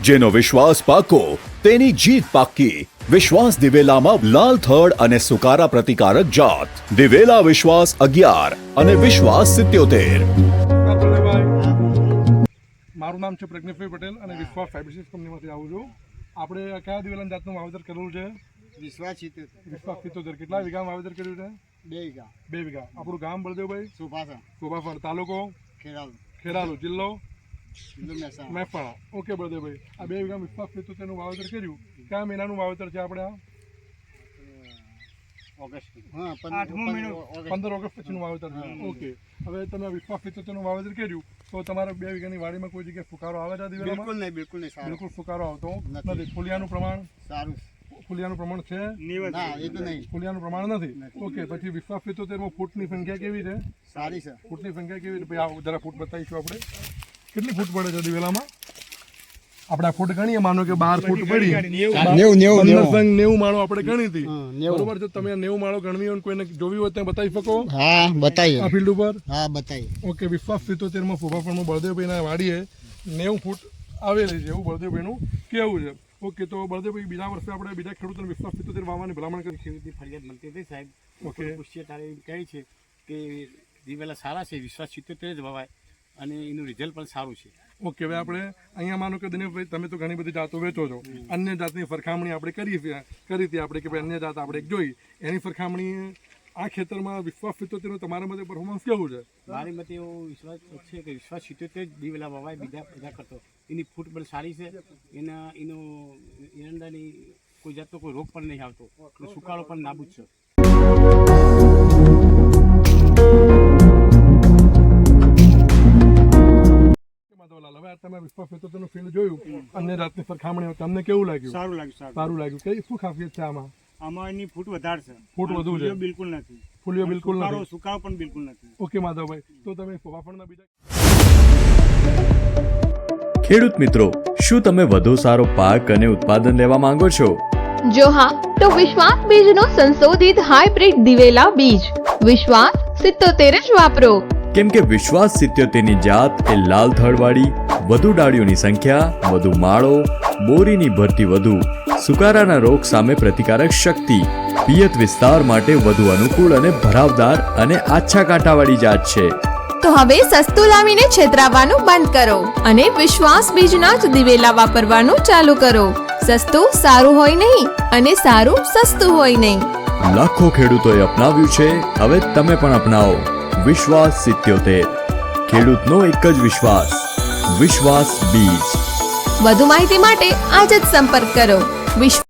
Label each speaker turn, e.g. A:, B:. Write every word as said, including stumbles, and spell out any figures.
A: જેનો વિશ્વાસ પાકો તેની જીત પાક્કી. વિશ્વાસ દિવેલામાં લાલ થડ અને સુકારા પ્રતિકારક જાત. દિવેલા વિશ્વાસ અગિયાર અને વિશ્વાસ સિત્યોતેર.
B: મારું નામ છે પ્રજ્ઞેશભાઈ પટેલ અને વિશ્વાસ ફાઇબ્રિસિસ કંપનીમાંથી આવું છું. આપણે કયા દિવેલાની જાતનું વાવેતર કરેલું છે?
C: વિશ્વાસ સિત્તેર.
B: વિશ્વાસ સિત્તોતેર. કેટલા વીઘા વાવેતર કર્યું છે?
C: બે વીઘા.
B: બે વીઘા. આપણું ગામ બળદેવભાઈ?
C: સુભાષા.
B: સુભાફળ. તાલુકો?
C: ખેરાલુ.
B: ખેરાલુ. જિલ્લો?
C: જિલ્લો મહેસાણા.
B: મહેસાણા. ઓકે બળદેવભાઈ, આ બે વીઘા વિશ્વાસ સિત્તોતેરનું વાવેતર કર્યું. કયા મહિનાનું વાવેતર છે આપણે? આ
C: ઓગસ્ટ. હા,
B: આઠમો મહિનો, પંદર ઓગસ્ટ પછીનું વાવેતર છે. ઓકે, હવે તમે વિશ્વાસ સિત્તોતેરનું વાવેતર કર્યું તો તમારા બે વીઘાની વાડીમાં કોઈ જગ્યાએ ફુકારો આવે છે?
C: બિલકુલ નહીં, બિલકુલ નહીં. સારું.
B: બિલકુલ ફુકારો આવતો
C: નથી.
B: નથી. ફૂલિયાનું પ્રમાણ?
C: સારું.
B: ફૂલિયાનું પ્રમાણ છે?
C: ના, એ તો નહીં.
B: ફૂલિયાનું પ્રમાણ નથી. ઓકે, પછી વિશ્વાસ સિત્તોતેરમાં ફૂટની સંખ્યા કેવી છે?
C: સારી છે.
B: ફૂટની સંખ્યા કેવી છે? ભાઈ આ જરા ફૂટ બતાવીશું આપણે. કેટલી ફૂટ પડે છે દિવેલામાં? આપણે આ ફૂટ ગણીએ, માનો કે બાર ફૂટ પડી,
C: નેવું નેવું
B: નેવું માળો આપણે ગણી હતી. બરોબર છે. તમે નેવું માળો ગણવી હોય કોઈને જોવી હોય ત્યાં બતાવી શકો?
C: હા, બતાવીએ.
B: આ ફિલ્ડ ઉપર?
C: હા, બતાવીએ.
B: ઓકે, વિશ્વાસ સિત્તોતેરમાં ફોફાફળમાં બળદેવભાઈના વાડીએ નેવું ફૂટ આવેલી છે એવું બળદેવભાઈનું કેવું છે. ઓકે, તો બળદેવભાઈ બીજા વર્ષે આપણે બીજા ખેડૂતોને વિશ્વાસ સિત્તોતેર વાવવાની ભલામણ કરી.
D: ખેડૂતની ફરિયાદ મળતી હતી સાહેબ.
B: ઓકે.
D: પૂછીએ તારે એમ કહે છે કે દિવેલા સારા છે, વિશ્વાસ સિત્તોતેર જ વવાય અને એનું રિઝલ્ટ પણ સારું છે.
B: ઓકે, હવે આપણે અહીંયા માનો કે દિનેશભાઈ તમે તો ઘણી બધી જાતો વેચો છો, અન્ય જાતની સરખામણી આપણે કરી કરી હતી આપણે કે ભાઈ અન્ય જાત આપણે એક જોઈ, એની સરખામણી આ ખેતરમાં વિશ્વાસ સિત્તોતેરનું તમારા મતે પરફોર્મન્સ કેવું છે?
D: મારી મતે એવો વિશ્વાસ છે કે વિશ્વાસ સિત્તોતેર જ દિવેલા વવાય બીજા બધા કરતો. એની ફૂટ પણ સારી છે, એના એનો એરંડાની કોઈ જાતનો કોઈ રોગ પણ નહીં આવતો, સુકાળો પણ નાબૂદ છે.
B: હવે તમે વિશ્વાસ સિત્તોતેરનું ફિલ્ડ જોયું, અન્ય જાતની સરખામણી તમને કેવું લાગ્યું?
E: સારું લાગ્યું. સારું
B: સારું લાગ્યું. કઈ શું ખાસિયત છે આમાં?
E: આમાં એની ફૂટ વધારે છે.
B: ફૂટ વધુ છે?
E: ફૂલીઓ બિલકુલ નથી.
B: ફૂલીઓ બિલકુલ
E: સુકારો
B: નથી.
E: સુકારો પણ બિલકુલ નથી.
B: ઓકે માધવભાઈ, તો તમે ફોફાફળના બીજા
F: ખેડૂત મિત્રો, શું તમે વધુ સારો પાક અને ઉત્પાદન લેવા માંગો છો?
G: જો હા, તો વિશ્વાસ બીજનો સંશોધિત હાઇબ્રિડ દિવેલા બીજ વિશ્વાસ સિત્તોતેર જ વાપરો.
F: કેમ કે વિશ્વાસ સિત્યોતેરની જાત એ લાલ થડવાળી, વધુ ડાળીઓની સંખ્યા, વધુ માળો, બોરીની ભરતી વધુ, સુકારાના રોગ સામે પ્રતિકારક શક્તિ, પિયત વિસ્તાર માટે વધુ અનુકૂળ અને ભરાવદાર અને આછા કાંટાવાળી જાત છે.
G: તો હવે સસ્તું લાવીને છેતરાવાનું બંધ કરો અને વિશ્વાસ બીજના જ દિવેલા વાપરવાનું ચાલુ કરો. સસ્તું સારું હોય નહીં અને સારું સસ્તું હોય નહીં.
F: લાખો ખેડૂતોએ અપનાવ્યું છે, હવે તમે પણ અપનાવો વિશ્વાસ સિત્યોતેર. ખેડૂતનો એક જ વિશ્વાસ, વિશ્વાસ બીજ.
G: વધુ માહિતી માટે આજે જ સંપર્ક કરો. વિશ્વાસ